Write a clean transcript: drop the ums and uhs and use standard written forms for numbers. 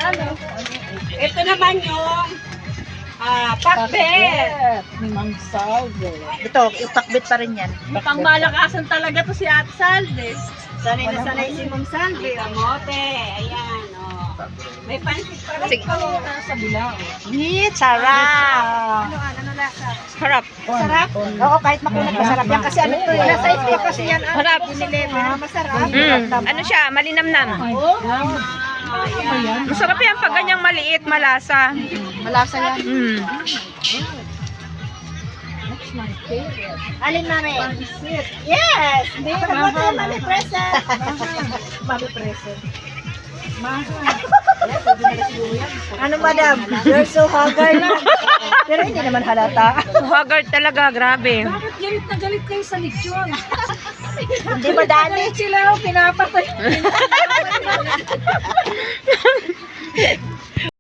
Ito naman yung pakbet. Ni Ma'am Salve. Ito, yung pakbit pa rin yan. Pang malakasan talaga to si Ate Salve. Sanay na sanay si Ma'am Salve. Kamote. Ayan, may pansit pa rin. Sa bilang. Sarap! Ano lasa? Sarap. Sarap? Oo, kahit makunat masarap yan. Kasi ano to Nasa eh. ispa kasi yan. Sarap. Masarap. Ano siya? Malinamnam. Ayan. Masarap yan pag ganyang maliit, malasa. Malasa yan. That's my favorite. Alin mami? Pansit. Yes! Hindi, kamote yung mami present. Mami present. Ano madam? You're so haggard. Pero hindi naman halata. Haggard talaga, grabe. Bakit galit na galit kayo sa lechon? Hindi ba dali? Galit sila, pinapatay.